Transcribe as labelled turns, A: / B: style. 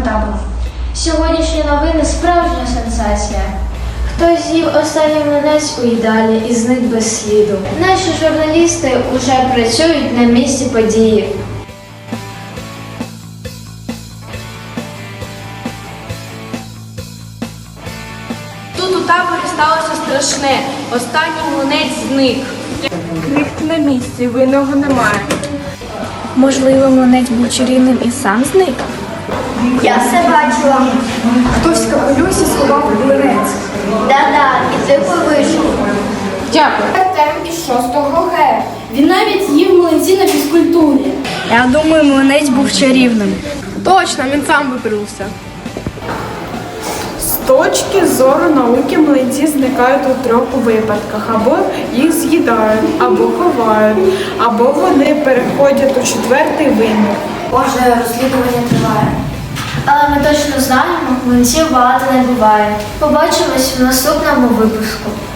A: табору.
B: Сьогоднішні новини – справжня сенсація. Хтось з'їв останній млинець у їдалі і зник без сліду. Наші журналісти уже працюють на місці події.
C: Тут у таборі сталося страшне. Останній млинець зник.
D: Крихт на місці, винного немає.
A: Можливо, млинець був чарівним і сам зник?
B: Я все бачила.
D: Хтось в капелюсі сховав млинець.
B: Да-да, і тихо вийшов.
D: Дякую.
B: Артем із 6-го Г. Він навіть їв млинці на фізкультурі.
A: Я думаю, млинець був чарівним.
D: Точно, він сам випрився. З точки зору науки млинці зникають у трьох випадках. Або їх з'їдають, або ховають, або вони переходять у четвертий вимір.
B: Може, розслідування триває. Але ми точно знаємо, млинців багато не буває. Побачимось в наступному випуску.